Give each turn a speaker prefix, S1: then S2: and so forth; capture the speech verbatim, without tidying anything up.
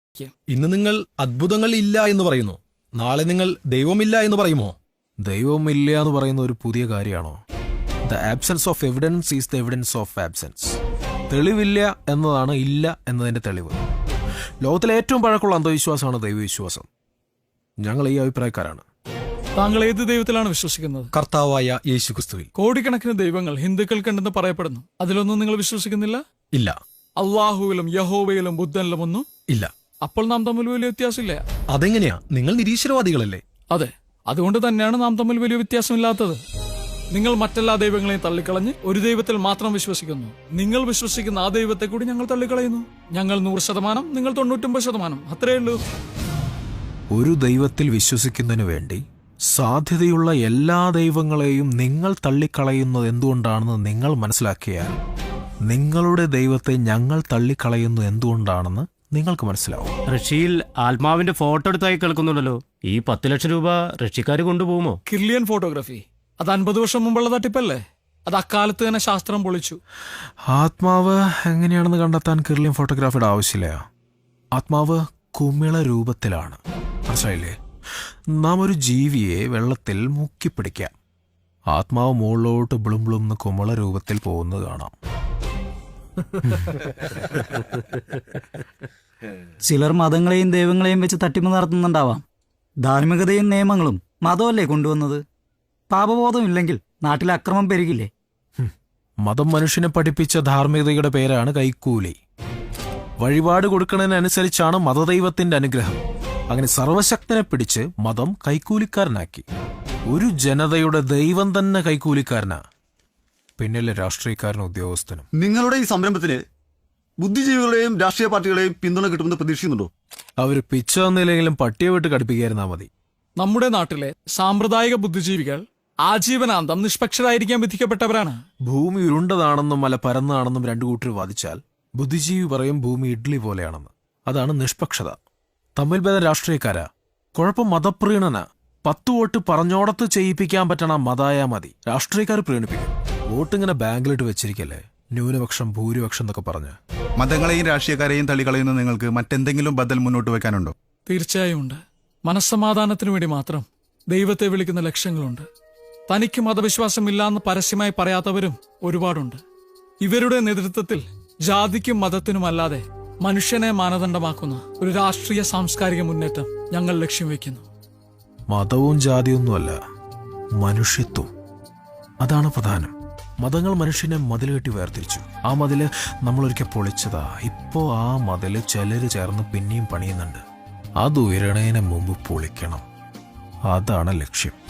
S1: ഇന്ന് നിങ്ങൾ അത്ഭുതങ്ങൾ ഇല്ല എന്ന് പറയുന്നു, നാളെ നിങ്ങൾ ദൈവമില്ല എന്ന് പറയുമോ?
S2: ദൈവമില്ല എന്ന് പറയുന്ന ഒരു പുതിയ കാര്യമാണോ? The absence of evidence is the evidence of absence. തെളിവില്ല എന്നതാണ് ഇല്ല എന്നതിന്റെ തെളിവ്. ലോകത്തിലെ ഏറ്റവും പഴക്കമുള്ള അന്ധവിശ്വാസമാണ് ദൈവവിശ്വാസം. ഞങ്ങൾ ഈ അഭിപ്രായക്കാരാണ്.
S3: താങ്കൾ ഏത് ദൈവത്തിലാണ് വിശ്വസിക്കുന്നത്?
S1: കർത്താവായ യേശുക്രിസ്തുവിൽ.
S3: കോടിക്കണക്കിന് ദൈവങ്ങൾ ഹിന്ദുക്കൾക്കുണ്ടെന്ന് പറയപ്പെടുന്നു. അതിലൊന്നും നിങ്ങൾ വിശ്വസിക്കുന്നില്ല?
S1: ഇല്ല.
S3: അള്ളാഹുവിലും യഹോവയിലും ബുദ്ധനിലും ഒന്നും
S1: ഇല്ല.
S3: അപ്പോൾ നാം തമ്മിൽ വലിയ വ്യത്യാസമില്ല.
S1: അതെങ്ങനെയാ? നിങ്ങൾ നിരീശ്വരവാദികളല്ലേ?
S3: അതെ, അതുകൊണ്ട് തന്നെയാണ് നാം തമ്മിൽ വലിയ വ്യത്യാസമില്ലാത്തത്. നിങ്ങൾ മറ്റെല്ലാ ദൈവങ്ങളെയും തള്ളിക്കളഞ്ഞ് ഒരു ദൈവത്തിൽ മാത്രം വിശ്വസിക്കുന്നു. നിങ്ങൾ വിശ്വസിക്കുന്ന ആ ദൈവത്തെ കൂടി ഞങ്ങൾ തള്ളിക്കളയുന്നു. ഞങ്ങൾ നൂറ് ശതമാനം, നിങ്ങൾ തൊണ്ണൂറ്റൊമ്പത് ശതമാനം, അത്രയേ ഉള്ളൂ.
S2: ഒരു ദൈവത്തിൽ വിശ്വസിക്കുന്നതിന് വേണ്ടി സാധ്യതയുള്ള എല്ലാ ദൈവങ്ങളെയും നിങ്ങൾ തള്ളിക്കളയുന്നത് എന്തുകൊണ്ടാണെന്ന് നിങ്ങൾ മനസ്സിലാക്കിയാൽ നിങ്ങളുടെ ദൈവത്തെ ഞങ്ങൾ തള്ളിക്കളയുന്നത് എന്തുകൊണ്ടാണെന്ന് നിങ്ങൾക്ക് മനസ്സിലാവും.
S4: റഷ്യയിൽ ആത്മാവിന്റെ ഫോട്ടോ എടുത്തായി കേൾക്കുന്നുണ്ടല്ലോ. ഈ പത്ത് ലക്ഷം രൂപ റഷ്യക്കാര് കൊണ്ടുപോകുമോ?
S3: കിർലിയൻ ഫോട്ടോഗ്രാഫി, അത് അൻപത് വർഷം മുമ്പുള്ള തട്ടിപ്പല്ലേ? അത് അക്കാലത്ത് തന്നെ ശാസ്ത്രം പൊളിച്ചു.
S2: ആത്മാവ് എങ്ങനെയാണെന്ന് കണ്ടെത്താൻ കിർലിയൻ ഫോട്ടോഗ്രാഫിയുടെ ആവശ്യമില്ല. ആത്മാവ് കുമിള രൂപത്തിലാണ്. മനസ്സിലായില്ലേ? നാം ഒരു ജീവിയെ വെള്ളത്തിൽ മുക്കിപ്പിടിക്കാം. ആത്മാവ് മുകളിലോട്ട് ബ്ലും ബ്ലും എന്ന് കുമിള രൂപത്തിൽ പോകുന്നത് കാണാം.
S5: ചിലർ മതങ്ങളെയും ദൈവങ്ങളെയും വെച്ച് തട്ടിപ്പ് നടത്തുന്നുണ്ടാവാം. ധാർമ്മികതയും നിയമങ്ങളും മതമല്ലേ കൊണ്ടുവന്നത്? പാപബോധമില്ലെങ്കിൽ നാട്ടിൽ അക്രമം പെരുകില്ലേ?
S2: മതം മനുഷ്യനെ പഠിപ്പിച്ച ധാർമ്മികതയുടെ പേരാണ് കൈക്കൂലി. വഴിപാട് കൊടുക്കുന്നതിനനുസരിച്ചാണ് മതദൈവത്തിന്റെ അനുഗ്രഹം. അങ്ങനെ സർവശക്തനെ പിടിച്ച് മതം കൈക്കൂലിക്കാരനാക്കി. ഒരു ജനതയുടെ ദൈവം തന്നെ കൈക്കൂലിക്കാരനാ, പിന്നിലെ രാഷ്ട്രീയക്കാരനും ഉദ്യോഗസ്ഥനും.
S6: നിങ്ങളുടെ ഈ സംരംഭത്തിന് ബുദ്ധിജീവികളെയും രാഷ്ട്രീയ പാർട്ടികളെയും പിന്തുണ കിട്ടുമെന്ന് പ്രതീക്ഷിക്കുന്നുണ്ടോ?
S2: അവര് പിച്ച തന്നില്ലെങ്കിലും പട്ടിയെ വിട്ട് കടുപ്പിക്കായിരുന്നാ മതി.
S3: നമ്മുടെ നാട്ടിലെ സാമ്പ്രദായിക ബുദ്ധിജീവികൾ ആജീവനാന്തം നിഷ്പക്ഷരായിരിക്കാൻ വിധിക്കപ്പെട്ടവരാണ്.
S2: ഭൂമി ഉരുണ്ടതാണെന്നും മല പരന്നതാണെന്നും രണ്ടു കൂട്ടർ വാദിച്ചാൽ ബുദ്ധിജീവി പറയും ഭൂമി ഇഡ്ലി പോലെയാണെന്ന്. അതാണ് നിഷ്പക്ഷത. തമ്മിൽ ഭേദം രാഷ്ട്രീയക്കാരാ. കുഴപ്പം മതപ്രീണന. പത്ത് വോട്ട് പറഞ്ഞോടത്ത് ചെയ്യിപ്പിക്കാൻ പറ്റണ മതായാ മതി. രാഷ്ട്രീയക്കാർ പ്രീണിപ്പിക്കും. വോട്ടിങ്ങനെ ബാങ്കിലിട്ട് വെച്ചിരിക്കല്ലേ, ന്യൂനപക്ഷം ഭൂരിപക്ഷം എന്നൊക്കെ പറഞ്ഞ്.
S7: മതങ്ങളെയും രാഷ്ട്രീയക്കാരെയും തള്ളിക്കളയുന്ന നിങ്ങൾക്ക് മറ്റെന്തെങ്കിലും ബദൽ മുന്നോട്ട് വെക്കാനുണ്ടോ?
S3: തീർച്ചയായും ഉണ്ട്. മനസ്സമാധാനത്തിനു വേണ്ടി മാത്രം ദൈവത്തെ വിളിക്കുന്ന ലക്ഷ്യങ്ങളുണ്ട്. തനിക്ക് മതവിശ്വാസമില്ലാന്ന് പരസ്യമായി പറയാത്തവരും ഒരുപാടുണ്ട്. ഇവരുടെ നേതൃത്വത്തിൽ ജാതിക്കും മതത്തിനുമല്ലാതെ മനുഷ്യനെ മാനദണ്ഡമാക്കുന്ന ഒരു രാഷ്ട്രീയ സാംസ്കാരിക മുന്നേറ്റം ഞങ്ങൾ ലക്ഷ്യം വെക്കുന്നു.
S2: മതവും ജാതിയൊന്നുമല്ല, മനുഷ്യത്വം. അതാണ് പ്രധാനം. മതങ്ങൾ മനുഷ്യനെ മതിൽ കെട്ടി വേർതിരിച്ചു. ആ മതില് നമ്മളൊരിക്കൽ പൊളിച്ചതാ. ഇപ്പോ ആ മതില് ചിലര് ചേർന്ന് പിന്നെയും പണിയുന്നുണ്ട്. അത് ഉയരണേന് മുമ്പ് പൊളിക്കണം. അതാണ് ലക്ഷ്യം.